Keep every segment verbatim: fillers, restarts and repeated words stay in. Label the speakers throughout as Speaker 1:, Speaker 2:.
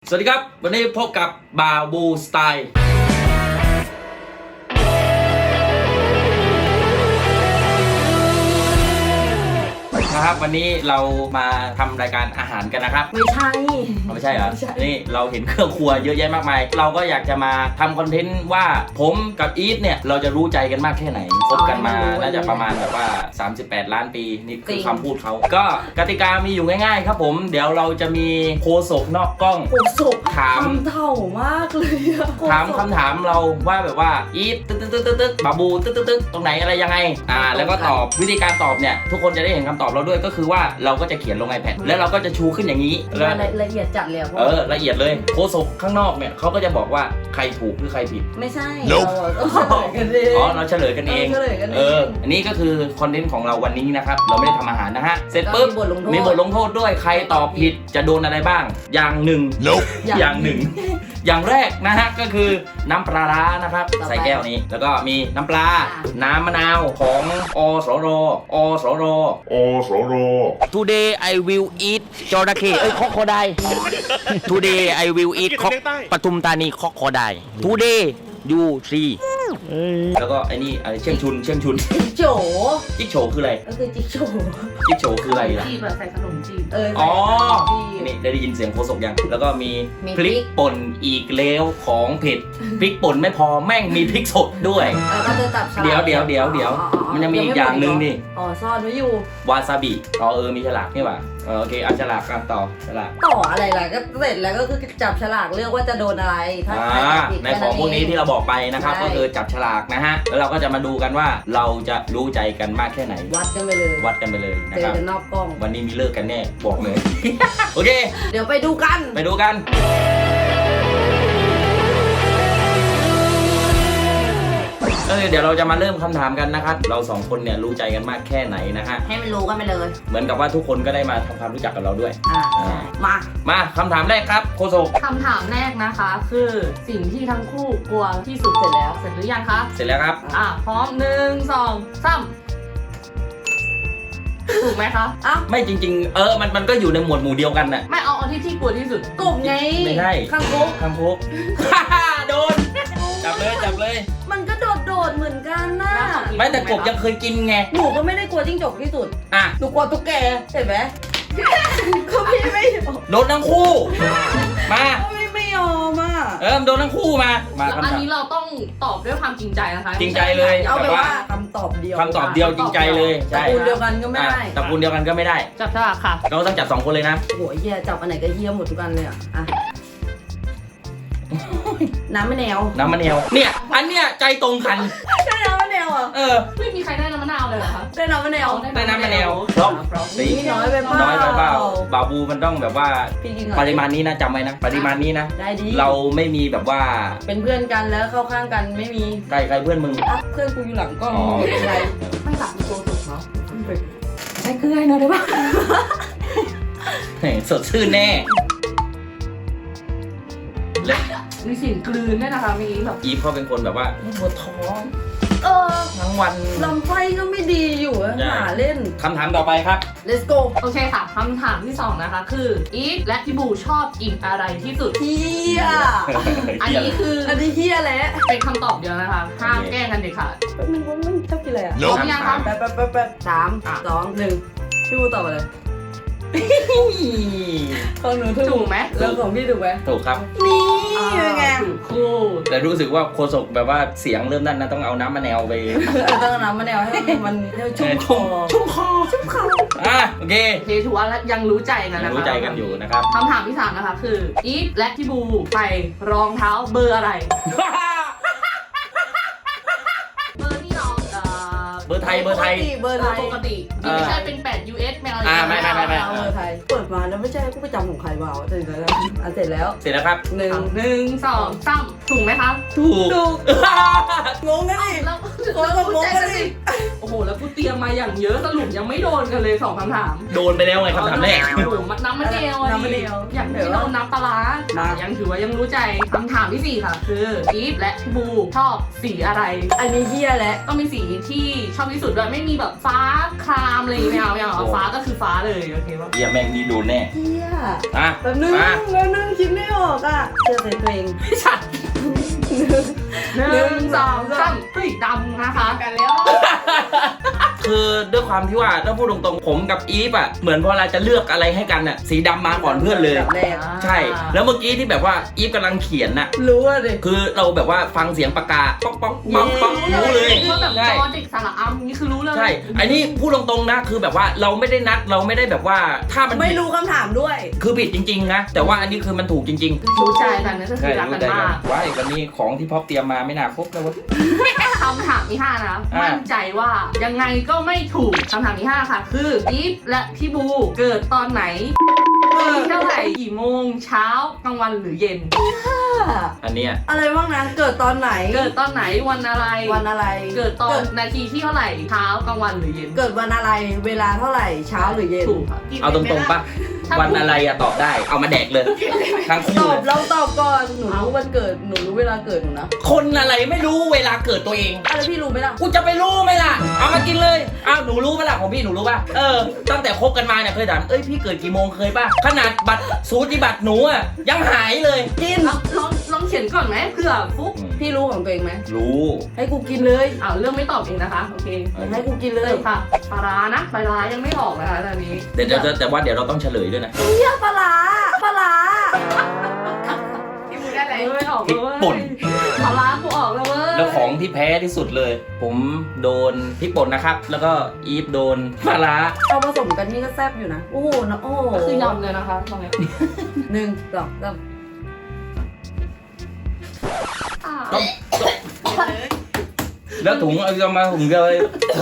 Speaker 1: สวัสดีครับวันนี้พบกับบาบูสไตล์นะครับวันนี้เรามาทำรายการอาหารกันนะครับ
Speaker 2: ไม่ใช่
Speaker 1: ไม่ใช่เหรอนี่เราเห็นเครื่องครัวเยอะแยะมากมายเราก็อยากจะมาทำคอนเทนต์ว่าผมกับอีทเนี่ยเราจะรู้ใจกันมากแค่ไหนคบกันมาน่าจะประมาณแบบว่าสามสิบแปดล้านปีนี่คือคำพูดเขาก็กติกามีอยู่ง่ายๆครับผมเดี๋ยวเราจะมีโคศกนอกกล้อง
Speaker 2: โคศกถามคำเถ่ามากเลย
Speaker 1: ถามคำถามเราว่าแบบว่าอีทตึ๊ดตึ๊ดตึ๊ดตึ๊ดบาบูตึ๊ดตึ๊ดตึ๊ดตรงไหนอะไรยังไงอ่าแล้วก็ตอบวิธีการตอบเนี่ยทุกคนจะได้เห็นคำตอบเราด้วยก็คือว่าเราก็จะเขียนลง iPad แล้วเราก็จะชูขึ้นอย่างนี้
Speaker 2: ละเอียดจัดเลย
Speaker 1: เออละเอียดเลยโคศกข้างนอกเนี่ยเขาก็จะบอกว่าใครถูกหรือใครผิด
Speaker 2: ไม่ใช่เราเฉลยกันเอง
Speaker 1: อ๋อเราเฉลยกันเองเอออันนี้ก็คือคอนเทนต์ของเราวันนี้นะครับเราไม่ได้ทำอาหารนะฮะเสร็จปุ๊บมีบทลงโทษด้วยใครตอบผิดจะโดนอะไรบ้างอย่างหนึ่งอย่างหนึ่งอย่างแรกนะฮะก็คือน้ำปลาร้านะครับใส่แก้วนี้แล้วก็มีน้ำปลาน้ำมะนาวของอสรอสรอสร Today I will eat จระเข้เอ้ยคอคอได Today I will eat คอกปทุมธานีคอกคอได Today you see แล้วก็ไอ้นี่อะไรเชียงชุนเชียงชุน
Speaker 2: จิ๊กโฉ
Speaker 1: จิ๊กโฉคืออะไร
Speaker 2: ก็คือจิ๊กโฉ
Speaker 1: จิ๊กโฉคืออะไรล่ะ
Speaker 3: จีบแบบใส่ขนมจีบ
Speaker 2: เออ
Speaker 1: อ๋อนี่ได้ยินเสียงโคศกยังแล้วก็มีพริกป่นอีกแล้วของเผ็ดพริกป่นไม่พอแม่งมีพริกสดด้วย
Speaker 2: แล้วก็จะจับฉลาก
Speaker 1: เดี๋ยวเดี๋ยวเดี๋ยวเดี๋ยวมันยังมีอีกอย่างหนึ่งนี่
Speaker 2: อ๋อซ่อนไว้อยู่
Speaker 1: วาซาบิอ๋อเออมีฉลากนี่ป่ะโอเคเอาฉลากกันต่อฉลาก
Speaker 2: ต่ออะไรล่ะก็เสร็จแล้วก็คือจับฉลากเลือกว่าจะโดนอะไรถ้าใครผิด
Speaker 1: ในของพวกนี้ที่เราบอกไปนะครับก็คือจับฉลากนะฮะแล้วเราก็จะมาดูกันว่าเราจะรู้ใจกันมากแค่ไหน
Speaker 2: วัดกันไปเลย
Speaker 1: วัดกันไปเลยนะครับ
Speaker 2: เจอกันนอกกล้อง
Speaker 1: วันนี้มีเลิกกันแน่บอกเลยโอเค
Speaker 2: เดี๋ยวไปดูกัน
Speaker 1: ไปดูกันเออเดี๋ยวเราจะมาเริ่มคำถามกันนะครับเราสองคนเนี่ยรู้ใจกันมากแค่ไหนนะฮะ
Speaker 2: ให้มันรู้กันไปเลย
Speaker 1: เหมือนกับว่าทุกคนก็ได้มาทำความรู้จักกับเราด้วย
Speaker 2: อ่ามา
Speaker 1: มาคำถามแรกครับโคโซ
Speaker 3: คำถามแรกนะคะคือสิ่งที่ทั้งคู่กลัวที่สุดเสร็จแล้วเสร็จหรือยังคะ
Speaker 1: เสร็จแล้วครับ
Speaker 3: อ่ะพร้อมหนึ่งสองสามถูกไหมคะ
Speaker 2: อ้าว
Speaker 1: ไม่จริงๆเออมันมันก็อยู่ในหมวดหมู่เดียวกันน่ะ
Speaker 3: ไม่เอาเอาที่ที่กลัวที่สุด
Speaker 2: กบไง
Speaker 1: ไม่ใช่
Speaker 2: ข้างโคก
Speaker 1: ข้างโคกโดนจับเลยจับเลย
Speaker 2: มันก็โดดโดดเหมือนกันน่ะ
Speaker 1: ไม่แต่กบยังเคยกินไง
Speaker 2: หนูก็ไม่ได้กลัวจิ้งจกที่สุด
Speaker 1: อ่ะ
Speaker 2: หนูกลัวตุ๊กแกเห็นไหมก็พี่ไม่ยอม
Speaker 1: โดนทั้งคู่มา
Speaker 2: พี่ไม่ยอมอ่ะ
Speaker 1: เออโดนทั้งคู่มามา
Speaker 3: อันนี้เราต้องตอบด้วยความจริงใจนะคะ
Speaker 1: จริงใจเลย
Speaker 2: เอาไปว่าคำตอบเดียว
Speaker 1: คำตอบเดียวจริงใจเลย
Speaker 2: ตระกูลเดียวกันก็ไม่ได้
Speaker 1: ตระกูลเดียวกันก็ไม่ได้
Speaker 3: จับฉลากค่ะ
Speaker 1: เราต้องจับสองคนเลยนะ
Speaker 2: โหเฮียจับอันไหนก็เฮียหมดทุกอันเลยอ่ะน้ำมะนาว
Speaker 1: น้ำมะนาวเนี่ยอันเนี้ยใจตรงกัน
Speaker 2: ได้น้ำมะนาวอ่ะ
Speaker 1: เออ
Speaker 3: ไม่มีใครได้น้ำมะนาวเลยเหรอคะ
Speaker 2: ได้น้ำมะนาว
Speaker 1: ได้น้ำมะนาวเพราะ
Speaker 2: นี่น้อยไปเปล่า
Speaker 1: น้อยไปเปล่าบาบูมันต้องแบบว่าปริมาณนี้นะจำไว้นะปริมาณนี้นะ
Speaker 2: ได้ดี
Speaker 1: เราไม่มีแบบว่า
Speaker 2: เป็นเพื่อนกันแล้วเข้าข้างกันไม่มี
Speaker 1: ใครใครเพื่อนมึง
Speaker 2: อ่ะเพื่อนกูอยู่หลังกล้องเป็นไร
Speaker 3: ไม่หลับตัวสุดเนาะ
Speaker 2: ใช้เกลือหน่อยได้ปะ
Speaker 1: สดชื่นแน่
Speaker 3: มีเสียงกลืนด้วยนะคะมีแบบ
Speaker 1: อีฟเขาเป็นคนแบบว่าปวดท้อง
Speaker 2: เออ
Speaker 1: ทั้งวัน
Speaker 2: ลำไส้ก็ไม่ดีอยู่หาเล่น
Speaker 1: คำถามต่อไปครับ
Speaker 2: let's go
Speaker 3: โอเคค่ะคำถามที่สองนะคะคืออีฟและพี่บูชอบกินอะไรที่สุด
Speaker 2: เฮีย
Speaker 3: อันนี้คือ
Speaker 2: อันนี้เฮียแหละ
Speaker 3: เป็นคำตอบเดียวนะคะห้ามแก้กันเด็ดขาด
Speaker 2: มันมันชอบกินอะไรอ่ะ
Speaker 3: พร้อมยังคะ
Speaker 2: แป๊บแป๊บแป๊บแป๊บสามสองหนึ่งพี่บูตอบอะไรของหนูถูก
Speaker 3: ไหม
Speaker 2: แล้วของพี่ถูกไหม
Speaker 1: ถูกครับ
Speaker 2: นี่ยังไง
Speaker 3: ถูกคู่
Speaker 1: แต่รู้สึกว่าโคศกแบบว่าเสียงเริ่มนั่นนะต้องเอาน้ำมะนาวไป
Speaker 2: ต้องเอาน้ำมะนาวให้มันชุ่มคอ
Speaker 1: ชุ่มคอ
Speaker 2: ชุ่มคอ
Speaker 1: อ่ะโอเค
Speaker 3: โอเคถือว่ายังรู้ใจกันนะคะ
Speaker 1: รู้ใจกันอยู่นะครับ
Speaker 3: คำถามที่สามนะคะคืออีฟและพี่บูใส่รองเท้าเบอร์อะไรเบอร์ที่น้อง
Speaker 1: เบอร์ไทยเบอร์ไทย
Speaker 2: เบอร์ไทย
Speaker 3: ปกติไม่ใช่เป็นแปด ยู เอส ไม่เอา
Speaker 1: อ่าไม่ไม่ไม่ไม่
Speaker 2: เบอร์ไทยเปิดมาแล้วไม่ใช่กูไปจำของใครวะเสร็จแล้วอ่ะเสร็จแล้ว
Speaker 1: เสร็จแล้วครับ
Speaker 2: หนึ่ง
Speaker 3: หนึ่งสองสามถูกไหมคะ
Speaker 1: ถูก
Speaker 2: ถูกงงนะดิ
Speaker 3: แล้ว
Speaker 2: คนก็งงนะดิ
Speaker 3: โอ้โหแล้วกูเตรียมมาอย่างเยอะสรุปยังไม่โดนกันเลยสองคำถาม
Speaker 1: โดนไปแล้วไงคำถามแรก
Speaker 3: โอ้โหมันน้ำมันเดียวอะ
Speaker 2: น้ำมะเดียว
Speaker 3: อย่างที่โดนน้ำปลาร้ายังถือว่ายังรู้ใจคำถามที่สี่ค่ะ คืออีฟและพี่บูชอบสีอะไร
Speaker 2: อันนี้เหี้ยแหละ
Speaker 3: ต้องเป็นสีที่ชอบที่สุดด้วยไม่มีแบบฟ้าครามอะไรอย่างเงี้ยไม่เอาไม่เอาฟ้าก็คือฟ้าเลยโอเคป่ะ
Speaker 1: เฮียแม่งนี่โดนแน่
Speaker 2: เหี้ย
Speaker 1: อ่ะ
Speaker 2: แป๊บนึง
Speaker 1: มา
Speaker 2: แป๊บนึงคิดไม่ออกอ่ะเชื่อใจตัวเอง
Speaker 3: ไม่ใช่หนึ่งสองสามเฮ้ยดำนะคะกันแล้ว
Speaker 1: คือด้วยความที่ว่าถ้าพูดตรงๆผมกับอีฟอ่ะเหมือนพอเราจะเลือกอะไรให้กันอ่ะสีดำมาก่อนเพื่อนเลย
Speaker 2: แรก
Speaker 1: ใช่ แล้วเมื่อกี้ที่แบบว่าอีฟกำลังเขียนน่ะ
Speaker 2: รู้อ่ะดิ
Speaker 1: คือเราแบบว่าฟังเสียงปากกาป๊อกป๊อกป๊อกป๊อกรู้เลย
Speaker 3: ว่าแบบ
Speaker 1: ใช่
Speaker 3: จอเด็กสระอัมนี่คือรู้เลย
Speaker 1: ใช่อันนี้พูดตรงๆนะคือแบบว่าเราไม่ได้นัดเราไม่ได้แบบว่าถ้ามัน
Speaker 2: ไม่
Speaker 1: ผิด
Speaker 2: รู้คำถามด้วย
Speaker 1: คือผิดจริงๆนะแต่ว่าอันนี้คือมันถูกจริงๆ
Speaker 3: รู้ใจกันนะก็คือรักกันมาก
Speaker 1: ว้ายวันนี้ของที่พ่อเตรียมมาไม่น่าครบแล้ววะ
Speaker 3: คำถามที่ห้านะ
Speaker 1: อ่ามั่
Speaker 3: มั่นใจว่ายังไงก็ไม่ถูกคำถามที่ห้าค่ะ คืออีฟและพี่บูเกิดตอนไหนปีเท่าไหร่กี่โมงเช้ากลางวันหรือเย็น
Speaker 1: อันเนี้ย
Speaker 2: อะไรบ้างนะ เกิดตอนไหน
Speaker 3: เกิดตอนไหนวันอะไร
Speaker 2: วันอะไร
Speaker 3: เกิดตอนนาทีที่เท่าไหร่เช้ากลางวันหรือเย็น
Speaker 2: เกิดวันอะไร เวลาเท่าไหร่ เช้าหรือเย็น
Speaker 3: ถูกค่ะ
Speaker 1: เอาตรงๆปะวันอะไรอะตอบได้เอามาแดกเลยทั้ง
Speaker 2: ต
Speaker 1: คู่
Speaker 2: อบ
Speaker 1: เลย
Speaker 2: เราตอบก่อน หนูรู้วันเกิด หนูรู้เวลาเกิดหนูนะ
Speaker 1: คนอะไรไม่รู้เวลาเกิดตัวเอง
Speaker 2: อะไรพี่รู้ไหมล่ะ
Speaker 1: กูจะไปรู้ไหมล่ะ เอามากินเลยอ้าวหนูรู้ไหมล่ะของพี่หนูรู้ป่ะ เออ ตั้งแต่คบกันมาเนี่ยเคยถามเอ้ยพี่เกิดกี่โมงเคยป่ะ ขนาดบัตรสูติบัตรหนูอ่ะยังหายเลย
Speaker 2: กิน
Speaker 3: ลองลองลองเขียนก่อนไหมเผื่อฟุ๊ก
Speaker 2: พี่รู้ของตัวเองไหม
Speaker 1: รู้
Speaker 2: ให้กูกินเลย
Speaker 3: อ้าวเรื่องไม่ตอบเองนะคะโอเค
Speaker 2: ให้กูกินเล
Speaker 3: เริ่
Speaker 2: ย
Speaker 3: มค่ะปลาร้านะปลาร้ายังไม่ออกนะคะตอนนี้
Speaker 1: เดี๋ยวเดี๋ยวแต่ว่าเดี๋ยวเราต้องเฉลยด้วยนะ
Speaker 2: เฮียปลาร้าปลาร้า
Speaker 3: พี่บูได้อะไรไม่ออก
Speaker 1: พริก
Speaker 3: เลย
Speaker 1: ป่น
Speaker 3: ปลาร้ากูออกแล้วเว้ย
Speaker 1: แล้วของที่แพ้ที่สุดเลย ผมโดนพริกป่นนะครับ แล้วก็อีฟโดนปลาร้า
Speaker 2: เอาผสมกันนี่ก็แซ่บอยู่นะ โอ้โหนะโอ้โห
Speaker 3: ก็คือยำเลยนะคะตรงนี้
Speaker 2: หนึ่งสองสาม
Speaker 3: อ่า
Speaker 1: แล้วถุงเอาจะมาถุงเดียวเลย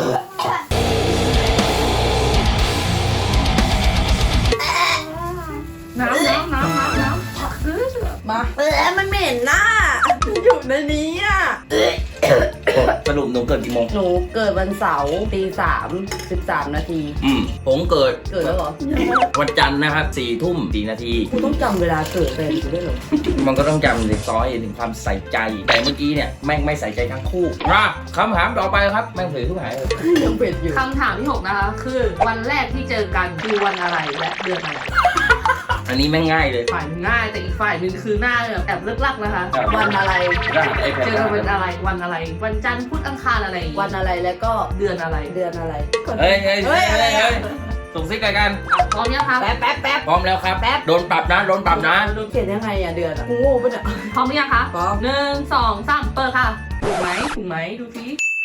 Speaker 3: น้ำน้ำน้ำน้ำน้ำเออ
Speaker 2: มาเออมันเหม็นน่ะอยู่ในนี้อ่ะ
Speaker 1: สรุปหนูเกิดกี่โมง
Speaker 2: หนูเกิดวันเสาร์ตีสามสิบสามนาที
Speaker 1: อืมผมเกิด
Speaker 2: เกิดแล้วเหรอ
Speaker 1: วันจันทร์นะครับสี่ทุ่มสี่นาที
Speaker 2: กูต้องจำเวลาเกิดเป็นกูได้วยเหรอ
Speaker 1: มันก็ต้องจำเลยซอยถึงความใส่ใจ แต่เมื่อกี้เนี่ยแม่งไม่ใส่ใจทั้งคู่มาคำถามต่อไปครับแม่งเผยทุกหายเลย
Speaker 2: ยังเผ็ดอยู่
Speaker 3: คำถามที่หกนะคะ คือวันแรกที่เจอกันคือวันอะไรและเดือนอะไร
Speaker 1: อันนี้แม่งง่ายเลย
Speaker 3: ฝ่ายหนึ่งง่ายแต่อีกฝ่ายหนึ่งคือหน้าแบบแอบเลิกลักนะคะ
Speaker 2: วันอะไร
Speaker 1: ได้ไอ้แผ่น
Speaker 3: เจอกันวันอะไรวันอะไร วันจันทร์พุธอังคารอะไร
Speaker 2: วันอะไรแล้วก็
Speaker 3: เดือนอะไร
Speaker 2: เดือนอะไร
Speaker 1: เฮ้ยเฮ้ย
Speaker 2: เฮ้
Speaker 1: เฮ้
Speaker 2: ย
Speaker 1: ย
Speaker 2: อะไร
Speaker 1: เฮ้ย
Speaker 2: อะ
Speaker 1: ส่งซิกกัน
Speaker 3: พร้อมยังคะ
Speaker 2: แป๊บแป๊บแป๊บ
Speaker 1: พร้อมแล้วครับ
Speaker 2: แป๊บ
Speaker 1: โดนปรับนะโดนปรับนะ
Speaker 2: เขียนยังไงอ่ะเดือนอ่ะกูโง่ปะเนี่ย
Speaker 3: พร้อมหรือยังคะ
Speaker 2: พร้อม
Speaker 3: หนึ่งสองสามเปิดค่ะถูกไหมถูกไหมดูสิ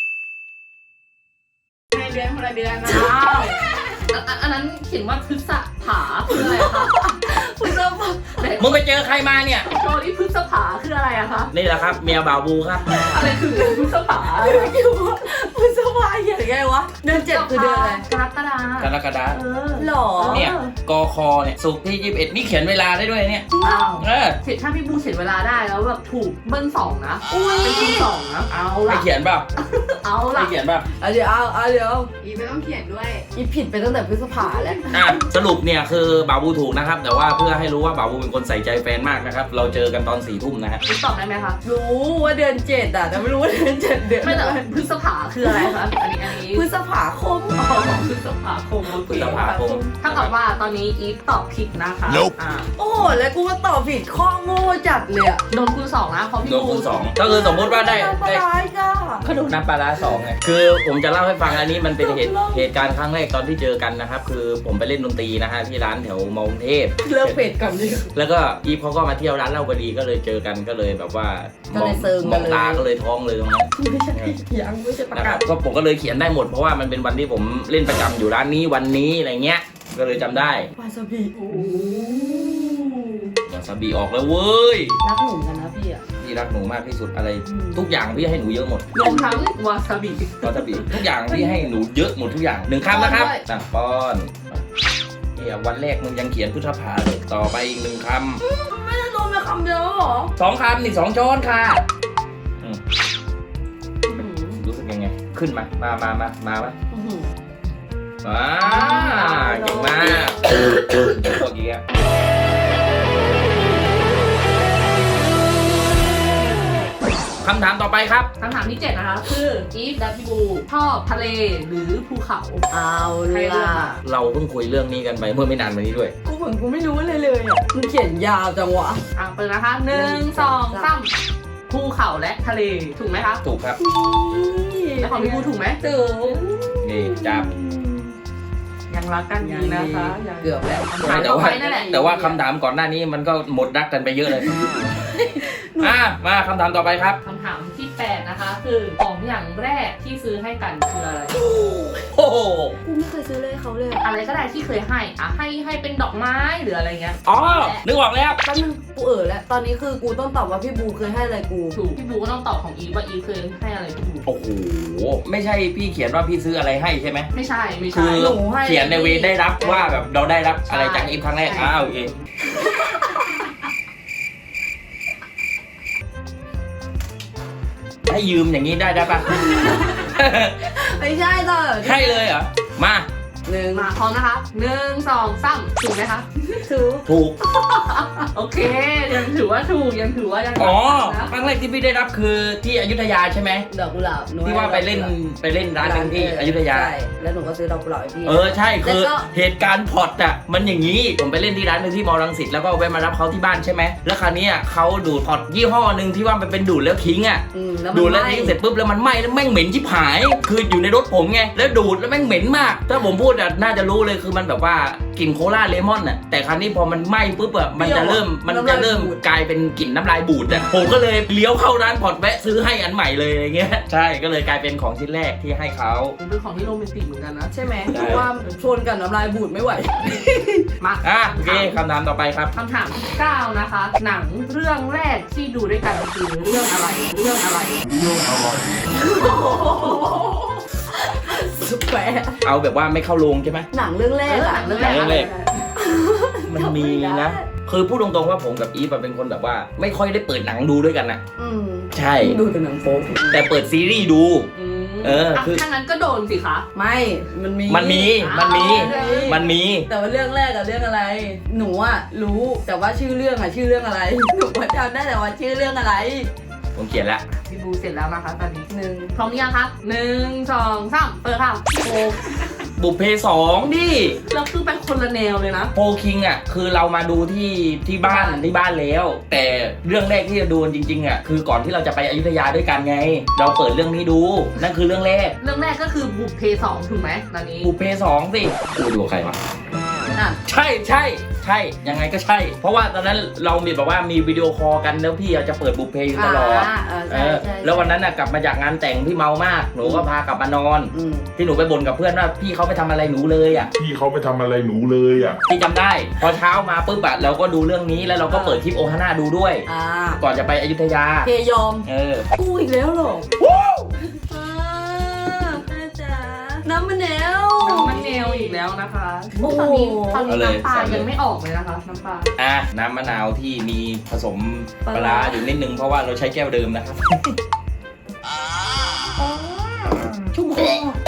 Speaker 4: ในเดือนคนละเดือนนะ
Speaker 3: อ้าวอันอันอันนั้นเขียนว่าพฤษภาคืออะไรคะ
Speaker 2: คุณเริ่มปะ
Speaker 1: มึงไปเจอใครมาเนี่ย
Speaker 3: โจนี่พฤษภาคืออะไรอะคะ
Speaker 1: นี่แหละครับเมียบ่าวบูครับ
Speaker 3: อะไรคือพฤษภา
Speaker 2: ไม่คิดว่าคุณสบายอย่างไงวะเดือนเจ็ดคือเดือนอะไร
Speaker 3: กรกฎาก
Speaker 1: รกฎา
Speaker 3: เออ
Speaker 2: หรอ
Speaker 1: เนี่ยกคเนี่ยสุกร์ที่ยี่สิบเอ็ดนี่เขียนเวลาได้ด้วยเนี่ย
Speaker 3: อ้าว
Speaker 1: เออ
Speaker 3: เขียนถ้าพี่บูเขียนเวลาได้แล้วแบบถูกเบิ้ลสองนะ
Speaker 2: อุ้ย
Speaker 3: เป็นคูณสองนะเอา
Speaker 1: ให้
Speaker 3: ล่ะ
Speaker 1: เขียนเปล่า
Speaker 3: เอา
Speaker 1: ให้
Speaker 3: ล่ะ
Speaker 1: เขียนเปล่า
Speaker 2: เอาเดี๋ยวเอาเอาเดี๋ยว
Speaker 4: อีไม่ต้องเขียนด้วย
Speaker 2: อีผิดไปตั้งแต่พฤษภาแล้ว
Speaker 1: อ่ะสรุปเนี่ยคือบ่าวบูถูกนะครับ แต่ว่าเพื่อให้รู้ว่าบ่าวบูเป็นคนใส่ใจแฟนมากนะครับเราเจอกันตอนสี่ทุ่มนะฮะ
Speaker 3: ตอบได้ไหมคะ
Speaker 2: รู้ว่าเดือนเจ็ดอ่ะแต่ไม่รู้ว่าเดือนเจ็ดเดือน
Speaker 3: ไม่แต่
Speaker 2: อะไร
Speaker 3: พฤษภาคืออะไรคะอันนี้อันนี้
Speaker 2: พฤษภาคม
Speaker 3: อ๋อพฤษภาคมโอเค
Speaker 1: พฤษภาคม
Speaker 3: ถ้ากับว่าตอนนี้อีฟตอบผิดนะคะอ่า
Speaker 2: โอ้โหแล้วกูก็ตอบผิดข้อโง่จัดเลยอ่ะ
Speaker 3: โดนคูณสองนะเพราะพี่
Speaker 1: โดน
Speaker 3: บู
Speaker 1: คูณสองก็คือสมมติว่าได้
Speaker 2: ปลา
Speaker 1: ได้
Speaker 2: ร้ายจ้า
Speaker 1: ก็โดนน้ำปลาร้าสองไงคือผมจะเล่าให้ฟังอันนี้มันเป็นเหตุเหตุการณ์ครั้งแรกตอนที่เจอกันนะครับคือผมไปเล่นดนตรีนะฮะที่ร้านแถวมอกรุงเทพ
Speaker 2: เลิกเผ็ดก่อนดิ
Speaker 1: แล้วก็อีฟเขาก็มาเที่ยวร้านเหล้าพอดีก็เลยเจอกันก็เลยแบบว่า
Speaker 2: ก็เลยเซิง
Speaker 1: ม
Speaker 2: กั
Speaker 1: อน ง
Speaker 2: เลย
Speaker 1: ตาก็เลยท้องเลยตรงนั้น
Speaker 2: ไม่ใช่ยังไม่ใช่ประ
Speaker 1: นะค
Speaker 2: กา
Speaker 1: รั
Speaker 2: ศ
Speaker 1: บก็ผมก็เลยเขียนได้หมดเพราะว่ามันเป็นวันที่ผมเล่นประจำอยู่ร้านนี้วันนี้อะไรเงี้ยก็เลยจำได้
Speaker 2: วาซาบิ
Speaker 3: โอ้
Speaker 1: วาซาบิออกแล้วเว้ย
Speaker 2: รักหนุ่มกันนะพี่อ่ะ
Speaker 1: พี่รักหนูมากที่สุดอะไร ทุกอย่างพี่ให้หนูเยอะหมด
Speaker 3: รวมทั้งวาซาบิ
Speaker 1: วาซาบิทุกอย่างพี่ให้หนูเยอะหมดทุกอย่างหนึ่งคำนะครับสั่งป้อนเนี่ยวันแรกมึงยังเขียนพุทธภาเลยต่อไปอีกหนึ่งค
Speaker 2: ไม่ได้โดนมาคำเดียวหรอ
Speaker 1: ำสองคำนี่สองช้อนค่ะอืมรู้สึกยังไง ขึ้นมา มามามามาไหมอ่าเก่งมากพวกนี้คำถามต่อไปครับ
Speaker 3: คำถามที่เจ็ดนะคะคืออีฟและพี่บูชอบทะเลหรือภูเขา
Speaker 2: เอา
Speaker 3: ใครเลือก
Speaker 2: ล่ะ
Speaker 3: อะ
Speaker 1: เราเพิ่งคุยเรื่องนี้กันไปเมื่อไม่นานมานี้ด้วย
Speaker 2: กูเหมือนกูไม่รู้อะไรเลยอ่ะมึงเขียนยาวจังวะ
Speaker 3: อ่ะเปิดนะคะหนึ่งสองสามภูเขาและทะเลถูกไหมคะ
Speaker 1: ถูกครับ
Speaker 3: แล้วของพี่บูถูกไหม
Speaker 2: ถูก
Speaker 1: นี่จับ
Speaker 3: ยังรักกันดีนะคะยัง
Speaker 2: เกือบแล้ว
Speaker 3: คำถาม
Speaker 1: แต่
Speaker 3: ต่อ
Speaker 1: ว่า
Speaker 3: ไปนั่นแหละ
Speaker 1: แต่ว่าคำถามก่อนหน้านี้มันก็หมดรักกันไปเยอะเลย อ่ะมาคำถามต่อไปครับ
Speaker 3: คำถามที่แปดนะคะ คือของอย่างแรกที่ซื้อให้กันคืออะไร
Speaker 1: โอ้โห
Speaker 2: กูไม่เคยซื้อเลยเขาเลย
Speaker 3: อะไรก็ได้ที่เคยให้อ่ะให้ให้เป็นดอกไม้หรืออะไรเงี้ย
Speaker 1: อ๋อนึกออกแล้ว
Speaker 2: แป๊บนึงกูเออแล้วตอนนี้คือกูต้องตอบว่าพี่บูเคยให้อะไรกู
Speaker 3: ถูกพี่บูก็ต้องตอบของอีฟว่าอีฟเคยให้อะไรพี่บู
Speaker 1: โอ้โหไม่ใช่พี่เขียนว่าพี่ซื้ออะไรให้ใช่ไหม
Speaker 3: ไม่ใช่ไม่
Speaker 1: คื
Speaker 3: ใช่
Speaker 1: อ
Speaker 2: หนูให้
Speaker 1: เขียนในเวได้รับว่าแบบเราได้รับอะไรจากอีฟครั้งแรก
Speaker 3: ใช่
Speaker 1: อ้าวโอเคให้ยืมอย่างนี้ได้ได้ปะ
Speaker 2: ไม่ใช่ต่อ
Speaker 1: ใช่เลยเหรอมา
Speaker 2: หนึ่ง
Speaker 3: มาพร้อมนะคะหนึ่งสองสามถูกไหมคะ
Speaker 2: ถูก
Speaker 1: ถูก
Speaker 3: โอเคยังถือว่าถูกยังถือว่ายัง
Speaker 1: อ๋อ
Speaker 3: นะ
Speaker 1: ครั้งแรกที่พี่ได้รับคือที่อยุธยาใช่ไหม
Speaker 2: ดอกกุหลาบหนู
Speaker 1: ที่ว่าไปเล่นไปเล่นร้านหนึงที่อยุธยา
Speaker 2: ใช่แล้วหนูก็ซื้อดอกกุหลาบให้พี่
Speaker 1: เออใช่คือ
Speaker 2: แล้วก็
Speaker 1: เหตุการณ์พอร์ตอ่ะมันอย่างนี้ผมไปเล่นที่ร้านหนึงที่มอลังสิตแล้วก็แวะมารับเขาที่บ้านใช่ไหมแล้วคราวนี้อ่ะเขาดูดพอร์ตยี่ห้อหนึ่งที่ว่ามันเป็นดูดแล้วทิ้งอ่ะ
Speaker 2: อืมแล้วมัน
Speaker 1: ดูดแล้ว
Speaker 2: ไหม้
Speaker 1: ทิ้งเสร็จปุ๊บแล้วมันไหม้แล้วแม่งเหม็นชิบหาย คืออยู่ในรถผมไงแล้วดูดแล้วแม่งเหม็นมาก ถ้าผมพูดอ่ะน่าจะรู้เลยคือมันแบบว่ากลิ่นโคลาเลมอนอ่ะแต่คราวนี้พอมันไหม้ปุ๊บอ่ะมันจะเริ่มมันจะเริ่มกลายเป็นกลิ่นน้ำลายบูดอ่ะผมก็เลยเลี้ยวเข้าร้านพอร์ตแวะซื้อให้อันใหม่เลยอะไรเงี้ยใช่ก็เลยกลายเป็นของชิ้นแรกที่ให้เขา
Speaker 3: เป็นของที่โรแมนติกเหมือนกันนะ
Speaker 2: ใช่ไหม
Speaker 1: ใช่
Speaker 2: เพราะว่าชนกับน้ำลายบูดไม่ไหว
Speaker 3: มา
Speaker 1: อ่ะโอเคคำถามต่อไปครับ
Speaker 3: คำถามที่เก้านะคะ หนังเรื่องแรกที่ดูด้วยกันคือเรื่องอะไรเรื่องอะไร
Speaker 2: สุดแปะ
Speaker 1: เอาแบบว่าไม่เข้าโรงใช่ไหม
Speaker 2: หนังเรื่องแรกอะ
Speaker 3: เรื่องแรก
Speaker 1: เรื่องแรก มันมี
Speaker 2: จำไม่ได้
Speaker 1: นะ คือพูดตรงๆว่าผมกับอีฟอะเป็นคนแบบว่า ไม่ค่อยได้เปิดหนังดูด้วยกันนะ
Speaker 2: อืม
Speaker 1: ใช่
Speaker 2: ดูแต่หนังโป๊
Speaker 1: แต่เปิดซีรีส์ดู
Speaker 3: อืม
Speaker 1: เออคือ
Speaker 3: ถ้างั้นก็โดนสิคะ
Speaker 2: ไม่ มันมี
Speaker 1: มันมี มันมี
Speaker 2: อ่า
Speaker 1: มันมี
Speaker 2: แต่ว่าเรื่องแรกอะเรื่องอะไร หนูอะรู้แต่ว่าชื่อเรื่องอะชื่อเรื่องอะไร หนูจำได้แต่ว่าชื่อเรื่องอะไร
Speaker 1: ผมเขียนแล้ว
Speaker 3: พี่บูเสร็จแล้วนะคะตอนนี้
Speaker 2: หนึ่ง
Speaker 3: พร้อมหรือยังคะหนึ่งสองสามเปิดค่ะโอ้
Speaker 1: บุพเพสองดิ
Speaker 3: แล้วคือเป็นคนละแนวเลยนะ
Speaker 1: โพคิงอ่ะ คือเรามาดูที่ที่บ้านที่บ้านแล้ว แต่เรื่องแรกที่จะดูจริงๆอ่ะ คือก่อนที่เราจะไปอยุธยาด้วยกันไง เราเปิดเรื่องนี้ดู นั่นคือเรื่องแรก
Speaker 3: เรื่องแรกก็คือบุพเพสองถูกไหมตอนนี้
Speaker 1: บุพเพสองสิกูดูกับใครวะ
Speaker 2: อ่ะ
Speaker 1: ใช่ใช่ใช่ยังไงก็ใช่ เพราะว่าตอนนั้นเรามีแบบว่ามีวิดีโอคอลกันแล้วพี่จะเปิดบุพเพอยู่ตลอด
Speaker 2: อ่าเออ
Speaker 1: เอ
Speaker 2: ใช่
Speaker 1: อ
Speaker 2: ใช่
Speaker 1: แล้ววันนั้นน่ะกลับมาจากงานแต่งพี่เมามากหนูก็พากลับมานอน
Speaker 2: อืม
Speaker 1: ที่หนูไปบ่นกับเพื่อนว่าพี่เขาไปทำอะไรหนูเลยอ่ะ
Speaker 5: พี่เขาไปทำอะไรหนูเลยอ่ะ
Speaker 1: พี่จำได้ พอเช้ามาปุ๊บอะเราก็ดูเรื่องนี้แล้วเราก็เปิดคลิปโอฮาน่าดูด้วย
Speaker 2: อ่า
Speaker 1: ก่อนจะไปอยุธยา
Speaker 2: เคยอม
Speaker 1: เออ
Speaker 2: กูอีกแล้วเหรออ่าแม่จ๋าน้ำมะนาว
Speaker 3: น้ำมันแนวอีกแล้วนะคะ
Speaker 2: โอ้
Speaker 3: ตอนนี้ตอน
Speaker 1: เอา
Speaker 3: นี้
Speaker 1: เลย
Speaker 3: น้ำปลา
Speaker 1: ใส่เลย
Speaker 3: ยังไม่ออกเลยนะคะน้ำปลา
Speaker 1: อ่ะน้ำมะนาวที่มีผสมปลาร้าอยู่นิดนึงเพราะว่าเราใช้แก้วเดิมนะครับ
Speaker 2: ชุ่มคอ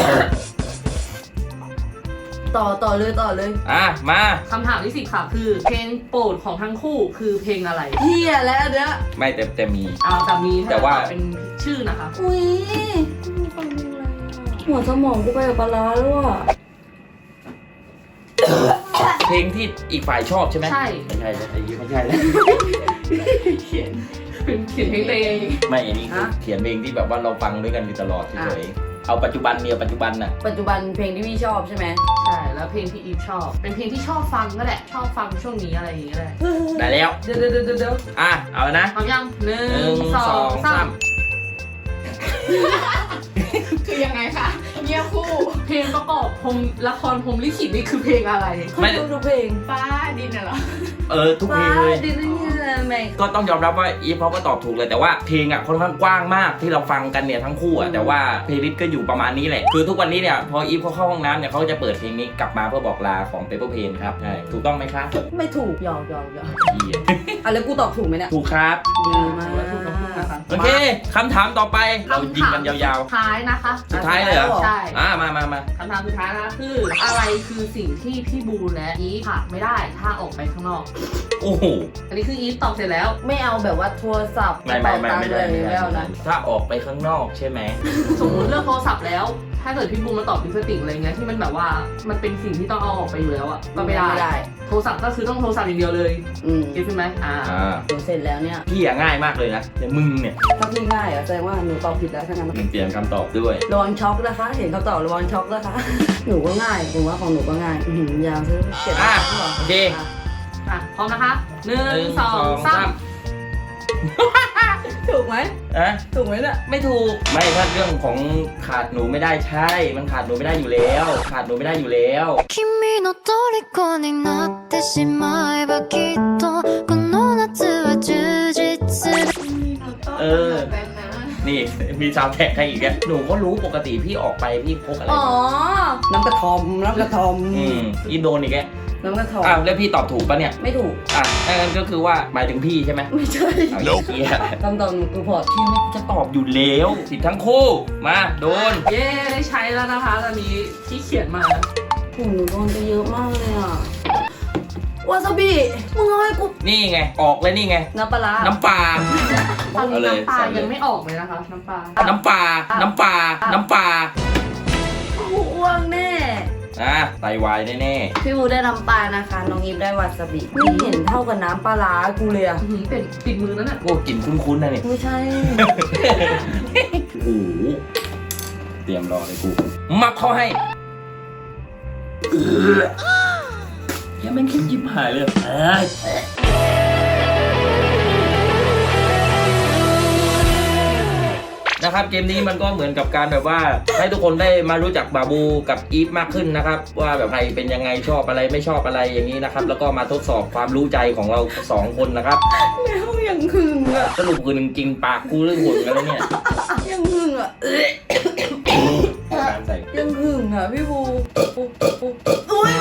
Speaker 2: ต่อต่อเลยต่อเลย
Speaker 1: อ่ะมา
Speaker 3: คำถามที่สิบค่ะคือ เพลงโปรดของทั้งคู่คือเพลงอะไร
Speaker 2: เฮียแล้วอันเนี้ย
Speaker 1: ไม่แต่แต่มี
Speaker 3: เอาแต่มี
Speaker 1: แต่ว่า
Speaker 3: เป็นชื่อนะคะ
Speaker 2: อุ้ยฟังอะไรอ่ะหัวสมองกูไปกับปลาร้าแล้วอ่ะ
Speaker 1: เพลงที่อีกฝ่ายชอบใช่ไหม
Speaker 3: ใช่
Speaker 1: ไม่ใช่แล้วไอ้ยี่ไม่ใช่แล้ว
Speaker 3: เขียนเป็นเขียนเพลงตัวเอง
Speaker 1: ไม่อันนี้คือเขียนเพลงที่แบบว่าเราฟังด้วยกันอยู่ตลอดเฉยๆเอาปัจจุบันเมียปัจจุบันน่ะ
Speaker 2: ปัจจุบันเพลงที่พี่ชอบใช่ไหม
Speaker 3: ใช่แล้วเพลงที่อีฟชอบ เป็นเพลงที่ชอบฟังก็แหละชอบฟังช่วงนี้อะไรอย่างเงี้ยแหละ
Speaker 1: ได้แล้ว
Speaker 2: เดี๋ยวเดี๋ยวเดี๋ยวเดี๋ยว
Speaker 1: อ่ะเอานะ
Speaker 3: พร้อมยังหนึ่
Speaker 1: หนึ่
Speaker 3: ง
Speaker 1: ง
Speaker 3: ส
Speaker 1: ส
Speaker 3: อ
Speaker 1: อง ง
Speaker 3: สา
Speaker 1: สาม ม
Speaker 4: คือยังไงคะเงียบคู่
Speaker 3: เพลงประกอบพรหมละครพรหมลิขิตนี่คือเพลงอะไร
Speaker 1: ไม่
Speaker 2: คุณดูทุกเพลง
Speaker 4: ฟ้าดินน่ะเหรอ
Speaker 1: เออทุกเพลงเลย
Speaker 2: ดินนี่แม่ง
Speaker 1: ก็ต้องยอมรับว่าอีฟเขาก็ตอบถูกเลยแต่ว่าเพลงอ่ะค่อนข้างกว้างมากที่เราฟังกันเนี่ยทั้งคู่อ่ะแต่ว่าเพลย์ลิสต์ก็อยู่ประมาณนี้แหละคือทุกวันนี้เนี่ยพออีฟเขาเข้าห้องน้ำเนี่ยเขาก็จะเปิดเพลงนี้กลับมาเพื่อบอกลาของ Paper Plane ครับใช่ถูกต้องไหมครับ
Speaker 2: ไม่ถูกหยอกหยอกหยอก
Speaker 1: เหี้ย
Speaker 2: อ่ะแล้วกูตอบถูกไหมเนี่ย
Speaker 1: ถูกครับ
Speaker 2: ดีมาก
Speaker 3: ถือว่าถูกทั้งคู่นะคะ
Speaker 1: โอเคคำถามต่อไปเรายิงกันยาว
Speaker 3: สุดท้ายนะคะ
Speaker 1: ๆ สุดท้ายเลยเหรอ
Speaker 3: ใช่
Speaker 1: อ่ามามามา
Speaker 3: คำถามสุดท้ายนะคะคืออะไรคือสิ่งที่พี่บูและอีฟขาดไม่ได้ถ้าออกไปข้างนอก
Speaker 1: โอ้โห
Speaker 3: อันนี้คืออีฟตอบเสร็จแล้ว
Speaker 2: ไม่เอาแบบว่าโทรศัพท์
Speaker 1: ไม่ไม่ไม่ไม่ได้
Speaker 2: กระ
Speaker 1: ไม่
Speaker 2: เป๋าตังค์อะไร
Speaker 1: ได้
Speaker 2: แล้วนะ
Speaker 1: ถ้าออกไปข้างนอกใช่ไหม
Speaker 3: สมมติเลือกโทรศัพท์แล้ว ถ้าเกิดพี่บูมาตอบพิสติกอะไรเงี้ยที่มันแบบว่ามันเป็นสิ่งที่ต้องเอาออกไปอยู่แล้วอะก็ไม่ได้
Speaker 2: ไม่ได้
Speaker 3: โทรศัพท์ก็คือต้องโทรศัพท์อย่างเดียวเลย
Speaker 2: อืม
Speaker 3: เก็ตใช่ไหมอ่า
Speaker 1: อ่า
Speaker 2: หนูเสร็จแล้วเนี่ย
Speaker 1: พี่อะง่ายมากเลยนะแต่มึงเนี่ย
Speaker 2: ถ้าพี่ง่ายอ่ะแสดงว่าหนูตอบผิดแล้วทั้งนั้น
Speaker 1: มึงเปลี่ยนคำตอบด้วย
Speaker 2: ระวังช็อกนะคะ เห็นเขาตอบระวังช็อกนะคะ หนูก็ง่ายผมว่าของหนูก็ง่ายอื้อหือยาวซื้อเก็บ
Speaker 1: อ่ะ
Speaker 2: ไว้ก่อน
Speaker 1: โอเค
Speaker 2: อ่ะ
Speaker 3: อ่ะพร้อมนะคะหนึ่
Speaker 1: หนึ่
Speaker 3: ง
Speaker 1: ง
Speaker 3: สองสาม
Speaker 2: ถูกไหม
Speaker 1: อะ
Speaker 2: ถูกไหมเนี่ย
Speaker 1: ไม่ถูก ไม่ถ้าเรื่องของขาดหนูไม่ได้ใช่ มันขาดหนูไม่ได้อยู่แล้ว ขาดหนูไม่ได้อยู่แล้ว
Speaker 6: 君の虜になってしまえばきっとこの夏は充実する
Speaker 1: เออ นี่มีซาวด์แท็กให้อีกแกหนูก็รู้ปกติพี่ออกไปพี่พกอะไร
Speaker 2: อ๋อ
Speaker 1: มา
Speaker 2: น้ำกระทอมน้ำกระทอม
Speaker 1: อืมอีโดนอีกแก
Speaker 2: น้ำกระทอม
Speaker 1: อ้าวแล้วพี่ตอบถูกปะเนี่ย
Speaker 2: ไม่ถูก
Speaker 1: อ่ะนั่นก็คือว่าหมายถึงพี่ใช่ไหม
Speaker 2: ไม่ใช่
Speaker 1: เอาอีกเหี้ย
Speaker 2: คำตอบหนูคือพอร์ต
Speaker 1: พี่ไม่จะตอบอยู่แล้วผิดทั้งคู่ มาโดน
Speaker 3: เย้ได้ใช้แล้วนะคะตอนนี้ที่เขียนมา
Speaker 2: โอ้โหหนูโดนไปเยอะมากเลยอ่ะ วาซาบิ มึงเอาให้กู
Speaker 1: นี่ไง ออกเลยนี่ไง
Speaker 2: น้ำปลาร้า
Speaker 1: น้ำปลา
Speaker 3: ตอนนี้
Speaker 1: เอาเลย
Speaker 3: น้ำปลา
Speaker 1: ใส่เลย
Speaker 3: ยังไม่ออกเลยนะคะ น้ำปลา
Speaker 1: น้ำปลา น้ำปลา น้ำปลา
Speaker 2: กูอ้วงแน่
Speaker 1: อ่ะไตวายแน่
Speaker 2: พี่บูได้น้ำปลานะคะ น้องอีฟได้วาซาบิ ไม่เห็นเท่ากับน้ำปลาร้ากูเลยอะ
Speaker 3: อื้อหือเป็นปิดมือแล้วน่ะ
Speaker 1: ๆโอ้กลิ่นคุ้นๆนะนี่
Speaker 2: ไม่ใช่
Speaker 1: โอ้โหเตรียมรอเลยกู มับเข้าให้เออแค่แม่งคิดยิบหายเลยเอ้ยนะครับเกมนี้มันก็เหมือนกับการแบบว่าให้ทุกคนได้มารู้จักบาบูกับอีฟมากขึ้นนะครับ ว่าแบบใครเป็นยังไงชอบอะไรไม่ชอบอะไรอย่างนี้นะครับ แล้วก็มาทดสอบความรู้ใจของเราสองคนนะครับ
Speaker 2: แมวยังหึงอะ
Speaker 1: สรุปคือหนึ่งกินปากกูเรื่องหุ่นกันแล้วเนี่ย
Speaker 2: ยังหึงอะเอ๊ะ
Speaker 1: การใส่
Speaker 2: ยังหึงอะพี่บูปุ๊บปุ๊บอุ้ย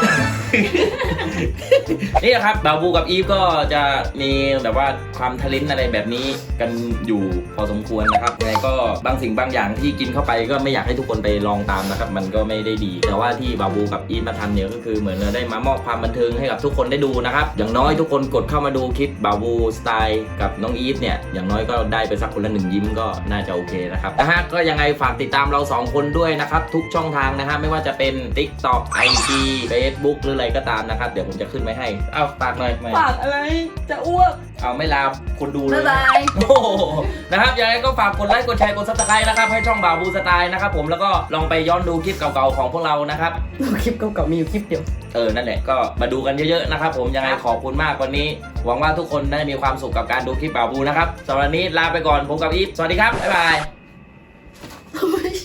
Speaker 1: นี่นะครับบาบูกับอีฟก็จะมีแบบว่าความทะเลนอะไรแบบนี้กันอยู่พอสมควรนะครับยังไงก็บางสิ่งบางอย่างที่กินเข้าไปก็ไม่อยากให้ทุกคนไปลองตามนะครับ มันก็ไม่ได้ดี แต่ว่าที่บาบูกับอีฟมาทำเนี่ยก็คือเหมือนเราได้มามอบความบันเทิงให้กับทุกคนได้ดูนะครับอย่างน้อยทุกคนกดเข้ามาดูคลิปบาบูสไตล์กับน้องอีฟเนี่ยอย่างน้อยก็ได้ไปสักคนละหนึ่งยิ้มก็น่าจะโอเคนะครับนะฮะก็ยังไงฝากติดตามเราสองคนด้วยนะครับทุกช่องทางนะฮะไม่ว่าจะเป็น TikTok ไอ จี Facebook หรืออะไรก็ตามนะครับเดี๋ยวผมจะขึ้นไว้ให้เอ้าฝากหน่อยไม่
Speaker 2: ปากอะไร จะอ้วก
Speaker 1: เอาไม่ลาคนดูเลย
Speaker 2: บ๊ายบาย
Speaker 1: โอ้โหนะครับยังไงก็ฝากกดไลค์กดแชร์กดซับสไครต์นะครับให้ช่องบาบูสไตล์นะครับผมแล้วก็ลองไปย้อนดูคลิปเก่าๆของพวกเรานะครับ
Speaker 2: คลิปเก่าๆมีอยู่คลิปเดียว
Speaker 1: เออนั่นแหละก็มาดูกันเยอะๆนะครับผมยังไงขอบคุณมากวันนี้หวังว่าทุกคนได้มีความสุขกับการดูคลิปบาบูนะครับสำหรับวันนี้ลาไปก่อนผมกับอีฟสวัสดีครับบ๊ายบาย